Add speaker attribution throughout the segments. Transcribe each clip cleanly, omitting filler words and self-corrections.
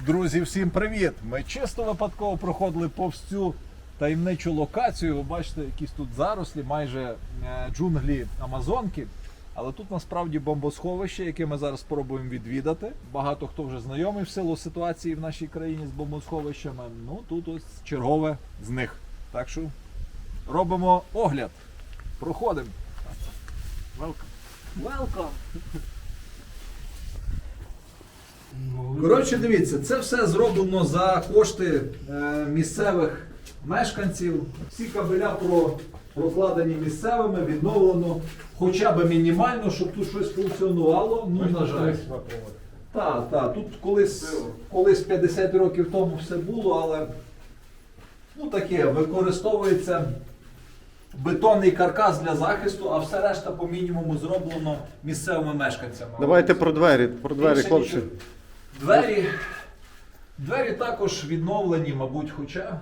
Speaker 1: Друзі, всім привіт! Ми чисто випадково проходили повз цю таємничу локацію. Ви бачите, якісь тут зарослі, майже джунглі Амазонки. Але тут насправді бомбосховище, яке ми зараз спробуємо відвідати. Багато хто вже знайомий в силу ситуації в нашій країні з бомбосховищами. Ну, тут ось чергове з них. Так що робимо огляд. Проходимо. Welcome! Коротше, дивіться, це все зроблено за кошти місцевих мешканців. Всі кабеля прокладені місцевими, відновлено хоча б мінімально, щоб тут щось функціонувало. Ну, на жаль. Так, тут колись 50 років тому все було, але ну таке, використовується бетонний каркас для захисту, а все решта по мінімуму зроблено місцевими мешканцями.
Speaker 2: Давайте про двері, хлопці.
Speaker 1: Двері також відновлені, мабуть, хоча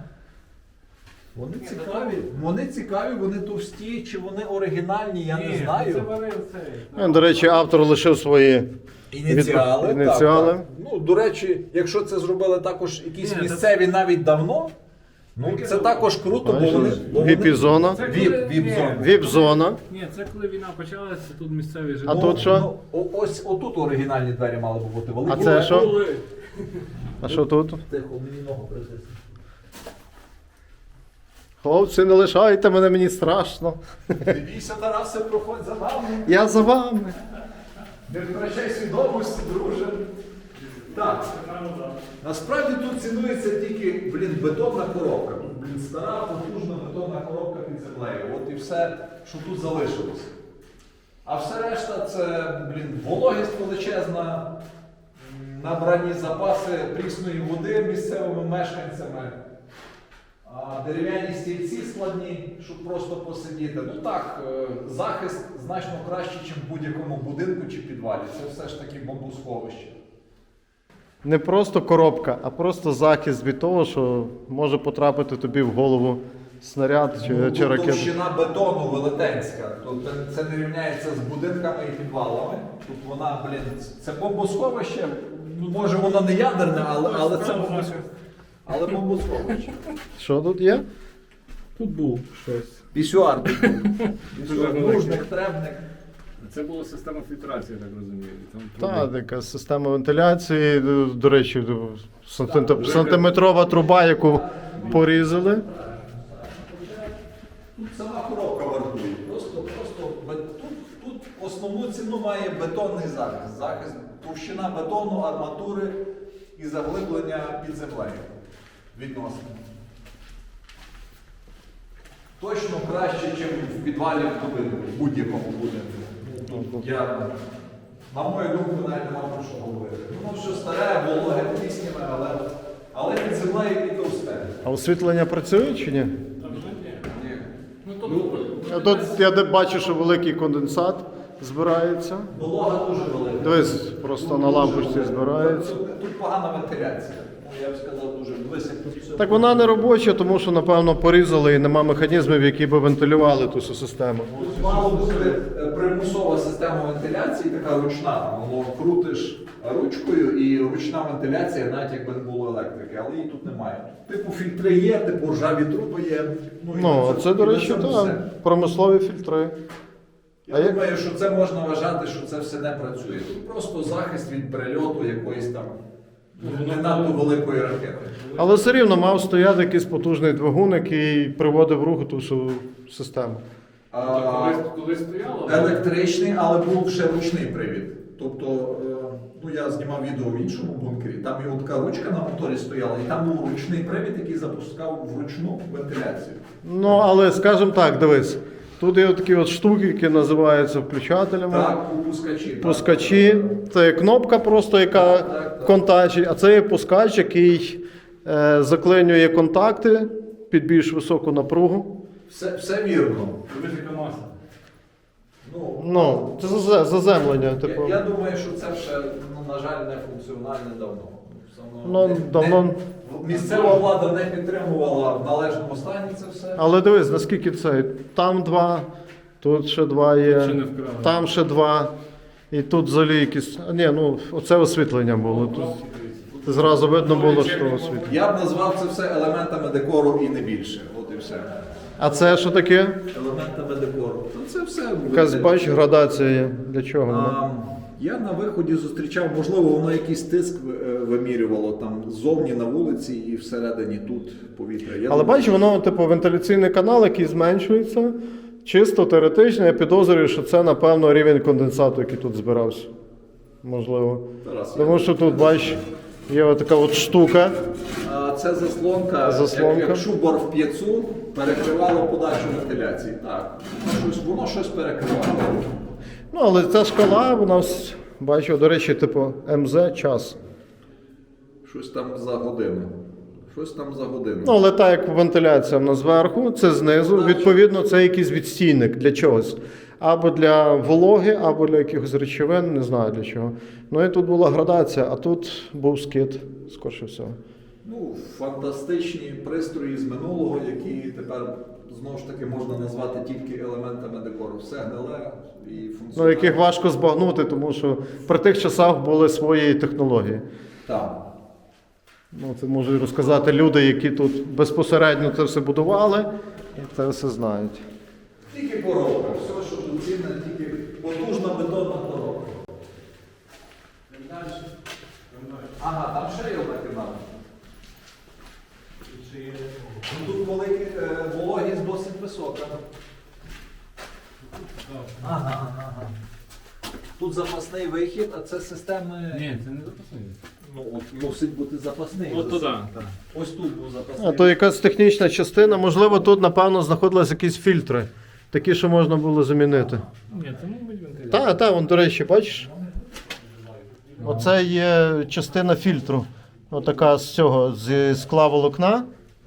Speaker 1: вони цікаві, вони товсті, чи вони оригінальні, я не знаю.
Speaker 2: До речі, автор лишив свої
Speaker 1: Ініціали. Так. Ну, до речі, якщо це зробили також якісь місцеві навіть давно, ну це також круто, бо вони...
Speaker 2: Віп-зона. Віп-зона.
Speaker 3: Ні, це коли війна почалася, тут місцеві жили.
Speaker 2: А тут що?
Speaker 1: Ось отут оригінальні двері мали б бути великі.
Speaker 2: А це що? А що тут?
Speaker 1: Тихо, мені ногу притисне.
Speaker 2: Хлопці, не лишайте мене, мені страшно.
Speaker 1: Не бійся, Тарасе, проходь за нами.
Speaker 2: Я за вами.
Speaker 1: Не втрачай свідомості, друже. Так, насправді тут цінується тільки, бетонна коробка. Тут, стара, потужна бетонна коробка під землею. От і все, що тут залишилося. А все решта це, вологість величезна, набрані запаси прісної води місцевими мешканцями, дерев'яні стільці складні, щоб просто посидіти. Ну так, захист значно кращий, ніж в будь-якому будинку чи підвалі. Це все ж таки бомбосховище.
Speaker 2: Не просто коробка, а просто захист від того, що може потрапити тобі в голову снаряд чи ракета.
Speaker 1: Товщина бетону велетенська. Тобто це не рівняється з будинками і підвалами. Тут вона, це бомбосховище. Може воно не ядерне, але це бомбосховище. Але бомбосховище.
Speaker 2: Що тут є?
Speaker 3: Тут був щось.
Speaker 1: Пісюар. Нужник, требник.
Speaker 3: Це була система фільтрації, я так розумію.
Speaker 2: Так, така система вентиляції, до речі, сантиметрова труба, яку порізали.
Speaker 1: Тут сама коробка вартує. Тут основну ціну має бетонний захист. Захист, товщина бетону, арматури і заглиблення під землею. Відносно. Точно краще, ніж в підвалі в будь-якому будинку. На мою думку, навіть нема про що говорити. Воно що старе, вологе, піснями, але під землею і товсте.
Speaker 2: А освітлення працює чи ні?
Speaker 1: Ні.
Speaker 2: Тут я бачу, що великий конденсат збирається.
Speaker 1: Волога дуже велика.
Speaker 2: Дивись, просто на лампочці збирається.
Speaker 1: Тут погана вентиляція. Я б сказав, дуже високо.
Speaker 2: Так вона не робоча, тому що, напевно, порізали і нема механізмів, які б вентилювали ту всю систему.
Speaker 1: Тут мало бути примусова система вентиляції, така ручна. Воно крутиш ручкою і ручна вентиляція, навіть якби не було електрики, але її тут немає. Типу фільтри є, типу ржаві труби є.
Speaker 2: Ну, це, до речі, так, промислові фільтри.
Speaker 1: Я думаю, що це можна вважати, що це все не працює. Тут просто захист від прильоту якоїсь там не надто великої ракети.
Speaker 2: Але все рівно мав стояти якийсь потужний двигун, який приводив в рух ту всю систему.
Speaker 3: Коли стояло?
Speaker 1: Електричний, але був ще ручний привід. Тобто, я знімав відео в іншому бункері, там його така ручка на моторі стояла, і там був ручний привід, який запускав вручну вентиляцію.
Speaker 2: Ну, але, скажімо так, дивись, тут є такі от штуки, які називаються включателями.
Speaker 1: Так, пускачі.
Speaker 2: Пускачі. Це є кнопка просто, яка контактить, а це є пускач, який заклинює контакти під більш високу напругу.
Speaker 1: Все вірно.
Speaker 3: Велика маса.
Speaker 2: Ну, це заземлення. Типу.
Speaker 1: Я думаю, що це ще, на жаль, не функціональне
Speaker 2: давно.
Speaker 1: Місцева влада не підтримувала в належному стані це все.
Speaker 2: Але дивись, наскільки це. Там два, тут ще два є, там ще два. І тут взагалі якісь. Ні, ну оце освітлення було. Тут Зразу видно було, що освітлення.
Speaker 1: Я б назвав це все елементами декору і не більше. От і все.
Speaker 2: А це що таке?
Speaker 1: Елементами декору. То це все.
Speaker 2: Якась, бач, градація є. Для чого вона?
Speaker 1: Я на виході зустрічав, можливо, воно якийсь тиск вимірювало там ззовні на вулиці і всередині тут повітря.
Speaker 2: Але бачиш, воно, типу, вентиляційний канал, який зменшується. Чисто теоретично, я підозрюю, що це, напевно, рівень конденсату, який тут збирався. Можливо.
Speaker 1: Тарас,
Speaker 2: Тому що тут, бачиш, є отака от штука.
Speaker 1: це заслонка,
Speaker 2: Заслонка.
Speaker 1: як шубор в п'єцу, перекривало подачу вентиляції. Так, воно щось перекривало.
Speaker 2: Ну, але ця шкала, вона, бачу, до речі, типу, МЗ час.
Speaker 1: Щось там за годину. Щось там за годину.
Speaker 2: Ну, але так, як вентиляція в нас зверху, це знизу. Відповідно, це якийсь відстійник для чогось. Або для вологи, або для якихось речовин, не знаю для чого. Ну і тут була градація, а тут був скид, скорше всього.
Speaker 1: Ну, фантастичні пристрої з минулого, які тепер, знову ж таки, можна назвати тільки елементами декору. Все гниле і функціональне.
Speaker 2: Ну, яких важко збагнути, тому що при тих часах були свої технології.
Speaker 1: Так.
Speaker 2: Ну, це можуть розказати люди, які тут безпосередньо це все будували, і це все знають.
Speaker 1: Тільки коробка. Все, що тут цінне, тільки потужна бетонна коробка. Ага, там ще є одна кімната. Ну, тут вологість досить висока. Ага. Тут запасний вихід, а це системи.
Speaker 3: Ні, це не запасний.
Speaker 1: Ну, от мусить бути запасний.
Speaker 3: От туди.
Speaker 1: Ось тут був запасний.
Speaker 2: А то якась технічна частина, можливо, тут, напевно, знаходились якісь фільтри, такі, що можна було замінити.
Speaker 3: Ні, це мабуть вентиляція.
Speaker 2: Так, вон, до речі, бачиш? Оце є частина фільтру. Отака з цього, зі скла волокна.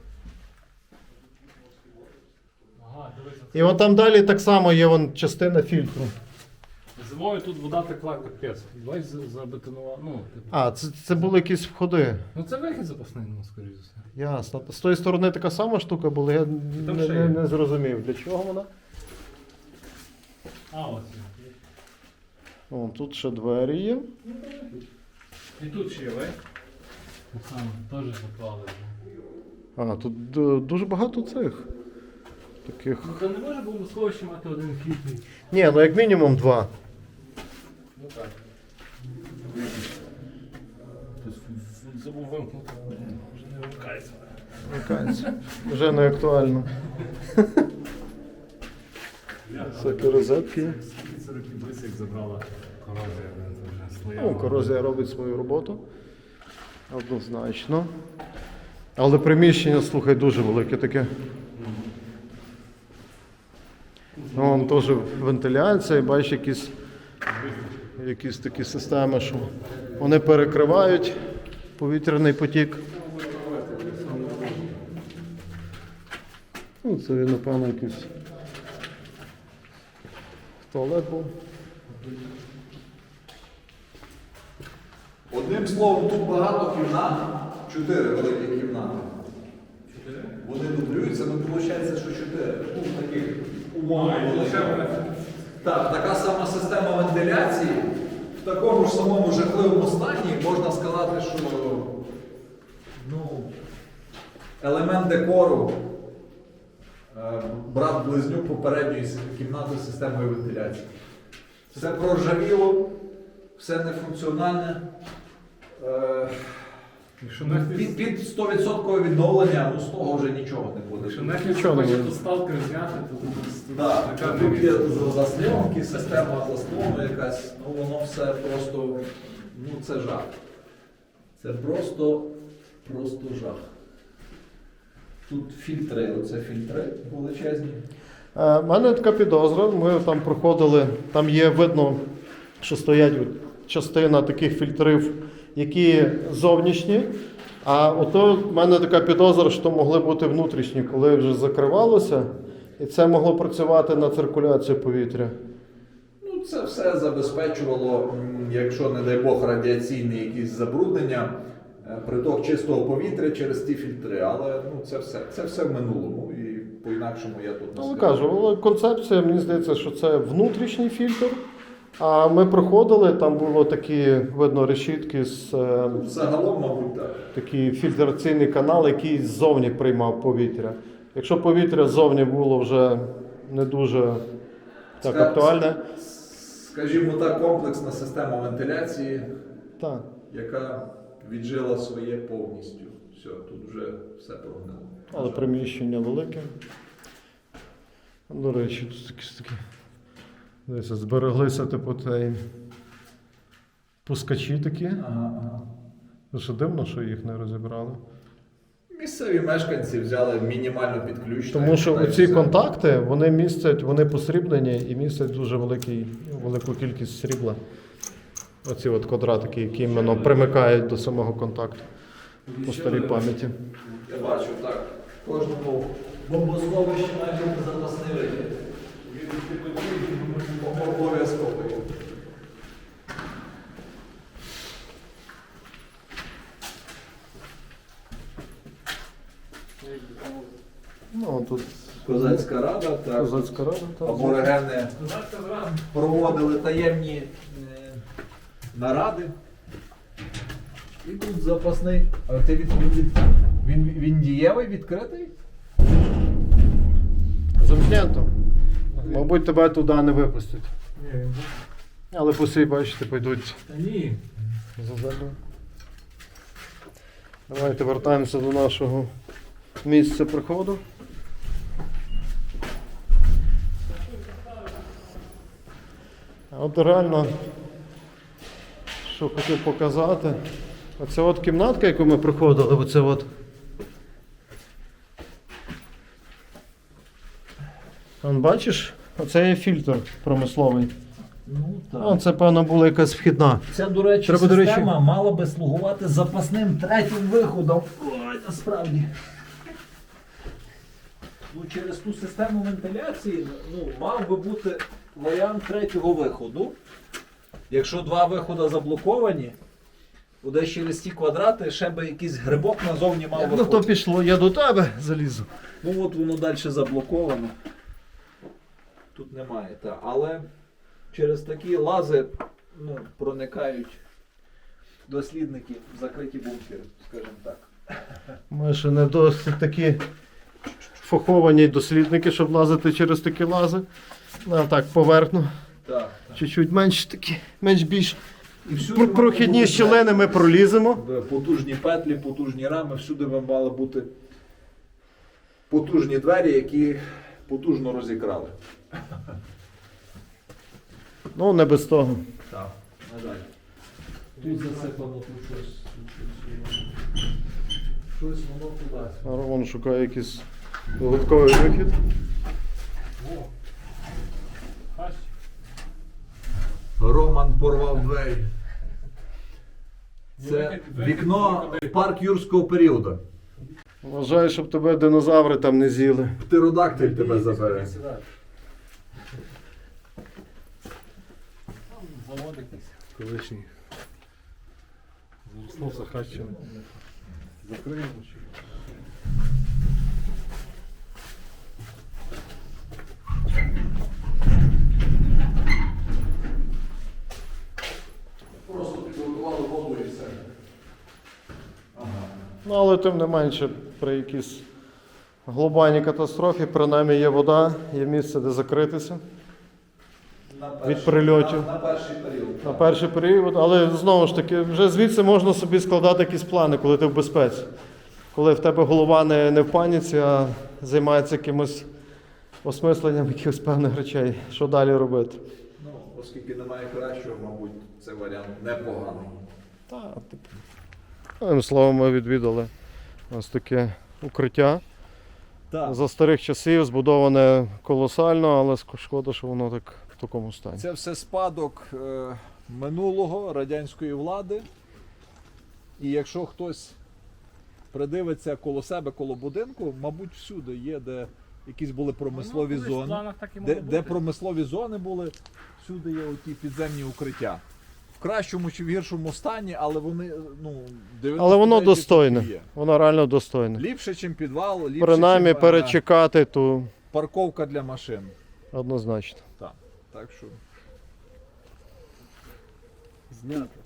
Speaker 3: Ага, дивися.
Speaker 2: І от там далі так само є вон частина фільтру.
Speaker 3: Зимою тут вода текла капець. Давай забетонував. Ну, типу.
Speaker 2: А, це були якісь входи.
Speaker 3: Ну це вихід запасний, ну, скоріш за все.
Speaker 2: Ясно. З тої сторони така сама штука була, я
Speaker 3: Там ще є.
Speaker 2: не зрозумів, для чого вона.
Speaker 3: А, ось.
Speaker 2: О, тут ще двері є.
Speaker 3: І тут ще є, вей? Так само, теж заклали.
Speaker 2: А, тут дуже багато цих. Таких.
Speaker 3: Ну то не може було сховище мати один вхідний.
Speaker 2: Ні, ну як мінімум два.
Speaker 3: Ну так. Забув вимкнути. Вже не вимикається.
Speaker 2: Вмикається. Вже не актуально. Всякі розетки.
Speaker 3: 40 блиск забрала корозія. Вже
Speaker 2: Ну,
Speaker 3: слояла.
Speaker 2: корозія робить свою роботу. Однозначно. Але приміщення, слухай, дуже велике таке. Ну, вон теж вентиляція, і бачиш якісь такі системи, що вони перекривають повітряний потік. Ну, це, напевно, якийсь туалет був.
Speaker 1: Одним словом, тут багато кімнат, 4 великі кімнати. Вони дублюються, ну виходить, що 4. Ну, таких умовно великих. Так, така сама система вентиляції. В такому ж самому жахливому стані можна сказати, що ну, елемент декору, брат-близнюк попередньої кімнати з системою вентиляції. Все проржавіло, все нефункціональне.
Speaker 3: Якщо
Speaker 1: Під 100% відновлення, ну з того вже нічого не буде.
Speaker 3: Якщо нехай
Speaker 2: Нічого не
Speaker 3: хоче
Speaker 2: буде.
Speaker 3: тут сталкер зняти, то тут
Speaker 1: Так,
Speaker 3: така
Speaker 1: тут є заслонки, система заслону якась, ну воно все просто, ну це жах. Це просто жах. Тут фільтри, оце фільтри величезні.
Speaker 2: У мене така підозра, ми там проходили, там є видно, що стоять частина таких фільтрів, які зовнішні, а ото в мене така підозра, що могли бути внутрішні, коли вже закривалося, і це могло працювати на циркуляцію повітря.
Speaker 1: Ну це все забезпечувало, якщо, не дай Бог, радіаційні якісь забруднення, приток чистого повітря через ті фільтри, але ну, це все в минулому і по-інакшому я тут не
Speaker 2: Але
Speaker 1: скажу.
Speaker 2: кажу, але концепція, мені здається, що це внутрішній фільтр, А ми проходили, там було такі, видно, решітки з
Speaker 1: Загалом, мабуть, так.
Speaker 2: такий фільтраційний канал, який ззовні приймав повітря. Якщо повітря ззовні було вже не дуже так актуальне,
Speaker 1: Скажімо так, комплексна система вентиляції,
Speaker 2: так.
Speaker 1: яка віджила своє повністю. Все, тут вже все прогнило.
Speaker 2: Але приміщення велике. До речі, тут такі десь збереглися типу цей пускачі такі.
Speaker 1: Ага.
Speaker 2: Що дивно, що їх не розібрали.
Speaker 1: Місцеві мешканці взяли мінімально підключення.
Speaker 2: Тому що
Speaker 1: та й
Speaker 2: оці
Speaker 1: все.
Speaker 2: контакти, вони містять, вони посріблені і містять дуже велику кількість срібла. Оці от квадратики, які іменно примикають до самого контакту по старій пам'яті.
Speaker 1: Я бачу, так. В кожному бомбосховищі має бути запасний вихід. Він обов'язковий.
Speaker 2: Ну, тут
Speaker 1: Козацька рада, так.
Speaker 2: козацька рада. так.
Speaker 1: Аборигени проводили таємні наради. І тут запасний. А ти він дієвий, відкритий?
Speaker 2: Замкнято. Мабуть, тебе туди не випустять.
Speaker 3: Ні,
Speaker 2: Але посі, бачите, пойдуть
Speaker 3: та ні.
Speaker 2: за землю. Давайте вертаємося до нашого місця приходу. А от реально, що хотів показати, оця от кімнатка, яку ми приходили, оце от. Вон, бачиш, оце є фільтр промисловий.
Speaker 4: Ну так.
Speaker 2: О, це, певно, була якась вхідна.
Speaker 4: Ця, до речі,
Speaker 2: Треба, до речі-
Speaker 4: система мала би слугувати запасним третім виходом. Ой, насправді. Ну, через ту систему вентиляції мав би бути варіант третього виходу. Якщо два виходи заблоковані, то десь через ті квадрати ще би якийсь грибок назовні мав
Speaker 2: Як на
Speaker 4: виходити.
Speaker 2: то пішло, я до тебе залізу.
Speaker 4: Ну от воно далі заблоковано. Тут немає, та. Але через такі лази проникають дослідники в закриті бункери, скажімо так.
Speaker 2: Ми ще не досить такі фаховані дослідники, щоб лазити через такі лази. Ну, так, поверхну.
Speaker 4: Так.
Speaker 2: Чуть-чуть менш такі, менш-більш
Speaker 4: І всюди
Speaker 2: прохідні
Speaker 4: мали бути
Speaker 2: щілини ми проліземо.
Speaker 4: потужні петлі, потужні рами, всюди би мали бути потужні двері, які потужно розікрали.
Speaker 2: Ну, не без того.
Speaker 4: Так, на жаль. Тут засипано, тут щось. Щось воно туди.
Speaker 2: Роман шукає якийсь додатковий вихід.
Speaker 3: О. Ась.
Speaker 1: Роман порвав двері. Це
Speaker 3: Вихід-
Speaker 1: вікно
Speaker 3: вихід-
Speaker 1: в парк юрського періоду.
Speaker 2: Вважаю, щоб тебе динозаври там не з'їли.
Speaker 1: Птеродактиль тебе забере.
Speaker 3: Там завод якийсь.
Speaker 2: Колишній. Заросло Сахаччина. Закриємо чи?
Speaker 1: Просто підготували воду і все.
Speaker 2: Ну, але тим не менше, при якійсь глобальній катастрофі, принаймні є вода, є місце, де закритися. Від прильотів.
Speaker 1: На перший період.
Speaker 2: На перший період, але знову ж таки, вже звідси можна собі складати якісь плани, коли ти в безпеці. Коли в тебе голова не в паніці, а займається якимось осмисленням якихось певних речей, що далі робити.
Speaker 1: Ну, оскільки немає кращого, мабуть, це варіант непоганий.
Speaker 2: Так, типу. Одним словом, ми відвідали ось таке укриття.
Speaker 4: Так.
Speaker 2: За старих часів збудоване колосально, але шкода, що воно так в такому стані.
Speaker 4: Це все спадок минулого радянської влади. І якщо хтось придивиться коло себе, коло будинку, мабуть, всюди є, де якісь були промислові
Speaker 3: Воно колись в
Speaker 4: зони.
Speaker 3: планах так і мало
Speaker 4: Де
Speaker 3: бути.
Speaker 4: промислові зони були, всюди є оті підземні укриття. В кращому чи в гіршому стані, але вони, 99%
Speaker 2: Але воно достойне.
Speaker 4: є.
Speaker 2: Воно реально достойне.
Speaker 4: Ліпше, ніж підвал, ліпше,
Speaker 2: Принаймні
Speaker 4: чим,
Speaker 2: перечекати, то
Speaker 4: парковка для машин.
Speaker 2: однозначно.
Speaker 4: Так що
Speaker 3: Знято.